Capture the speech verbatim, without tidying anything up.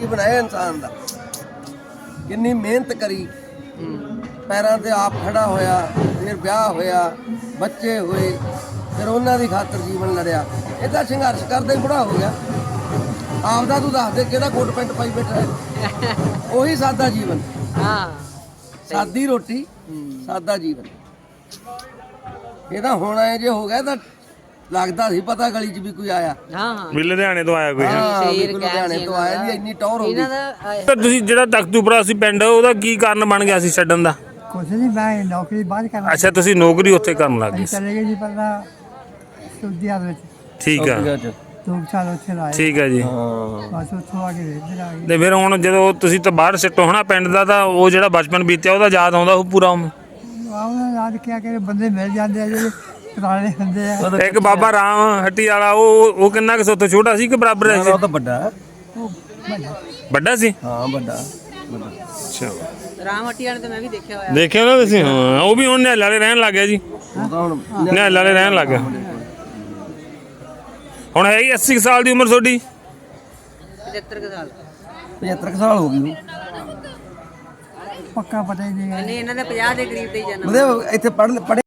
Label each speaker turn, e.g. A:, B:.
A: ਕੀ ਬਣਾਇਆ ਇਨਸਾਨ ਦਾ, ਕਿੰਨੀ ਮਿਹਨਤ ਕਰੀ, ਪੈਰਾਂ ਤੇ ਆਪ ਖੜਾ ਹੋਇਆ, ਫਿਰ ਵਿਆਹ ਹੋਇਆ, ਬੱਚੇ ਹੋਏ, ਫਿਰ ਉਹਨਾਂ ਦੀ ਖਾਤਰ ਜੀਵਨ ਲੜਿਆ। ਇਹ ਤਾਂ ਸੰਘਰਸ਼ ਕਰਦਾ ਹੀ ਬੁੜਾ ਹੋ ਗਿਆ। ਆਪਦਾ ਤੂੰ ਦੱਸ ਦੇ ਕਿਹੜਾ ਕੋਟ ਪੈਂਟ ਪਾਈ ਬੈਠਾ ਹੈ? ਉਹੀ ਸਾਦਾ ਜੀਵਨ,
B: ਹਾਂ
A: ਸਾਦੀ ਰੋਟੀ, ਸਾਦਾ ਜੀਵਨ। ਇਹ ਤਾਂ ਹੁਣ ਐ ਜੇ ਹੋ ਗਿਆ ਤਾਂ ਲੱਗਦਾ ਸੀ ਪਤਾ ਗਲੀ 'ਚ ਵੀ ਕੋਈ ਆਇਆ।
B: ਹਾਂ ਹਾਂ
C: ਵੀ ਲੁਧਿਆਣੇ ਤੋਂ ਆਇਆ ਕੋਈ।
A: ਹਾਂ ਵੀ ਲੁਧਿਆਣੇ ਤੋਂ ਆਇਆ ਵੀ ਇੰਨੀ ਟੌਰ ਹੋ ਗਈ।
B: ਇਹਨਾਂ ਦਾ
C: ਤਾਂ ਤੁਸੀਂ ਜਿਹੜਾ ਤਖਤੂਪੁਰਾ ਸੀ ਪਿੰਡ, ਉਹਦਾ ਕੀ ਕਾਰਨ ਬਣ ਗਿਆ ਸੀ ਛੱਡਣ ਦਾ?
D: ਕੁਛ ਨਹੀਂ, ਮੈਂ ਨੌਕਰੀ ਬਾਅਦ ਕਰਨਾ।
C: ਅੱਛਾ, ਤੁਸੀਂ ਨੌਕਰੀ ਉੱਥੇ ਕਰਨ ਲੱਗ ਗਏ ਸੀ।
D: ਚਲੇ ਗਏ ਜੀ ਪਹਿਲਾਂ ਸੁਧਿਆ ਵਿੱਚ
C: ਠੀਕ ਆ,
D: ਦੋ ਸਾਲ ਉੱਥੇ ਲਾਏ।
C: ਠੀਕ ਆ ਜੀ।
D: ਬਸ ਉੱਥੋਂ ਆ ਕੇ ਇੱਧਰ ਆ ਗਏ।
C: ਤੇ ਫਿਰ ਹੁਣ ਜਦੋਂ ਤੁਸੀਂ ਤਾਂ ਬਾਹਰ ਸਿੱਟੋ ਹਨਾ ਪਿੰਡ ਦਾ, ਤਾਂ ਉਹ ਜਿਹੜਾ ਬਚਪਨ ਬੀਤਿਆ ਉਹਦਾ ਯਾਦ ਆਉਂਦਾ ਉਹ ਪੂਰਾ?
D: ਉਹਨਾਂ ਯਾਦ ਕਿਹਾ ਕਿ ਬੰਦੇ ਮਿਲ ਜਾਂਦੇ ਆ ਜਿਹੜੇ ਪੁਰਾਣੇ ਹੁੰਦੇ ਆ।
C: ਇੱਕ ਬਾਬਾ ਰਾਮ ਹੱਟੀ ਵਾਲਾ, ਉਹ ਉਹ ਕਿੰਨਾ ਕੁ ਸੋਤੋਂ ਛੋਟਾ ਸੀ ਕਿ ਬਰਾਬਰ ਹੈ?
A: ਉਹ ਤਾਂ ਵੱਡਾ ਹੈ।
D: ਉਹ ਵੱਡਾ।
C: ਵੱਡਾ ਸੀ?
A: ਹਾਂ ਵੱਡਾ।
C: ਅੱਛਾ,
B: ਰਾਮ ਹੱਟੀ ਵਾਲੇ ਤਾਂ ਮੈਂ ਵੀ ਦੇਖਿਆ ਹੋਇਆ।
C: ਦੇਖਿਆ ਨਾ ਤੁਸੀਂ? ਹਾਂ, ਉਹ ਵੀ ਹੁਣ ਨਿਹਾਲ ਵਾਲੇ ਰਹਿਣ ਲੱਗ ਗਿਆ ਜੀ।
A: ਉਹ ਤਾਂ ਹੁਣ
C: ਨਿਹਾਲ ਵਾਲੇ ਰਹਿਣ ਲੱਗ ਗਿਆ। ਹੁਣ ਹੈਗੀ ਅੱਸੀ ਸਾਲ ਦੀ ਉਮਰ ਤੁਹਾਡੀ?
B: ਪਚੱਤਰ ਕੁ ਸਾਲ।
A: ਪਝੱਤਰ ਕੁ ਸਾਲ ਹੋ ਗਈ ਨੂੰ।
D: ਪੱਕਾ ਪਤਾ ਹੀ ਨਹੀਂ।
B: ਨਹੀਂ ਇਹਨਾਂ ਦਾ ਪੰਜਾਹ ਦੇ ਕਰੀਬ ਤੇ ਹੀ ਜਨਮ।
A: ਉਹਦੇ ਇੱਥੇ ਪੜ੍ਹ ਪੜ੍ਹੇ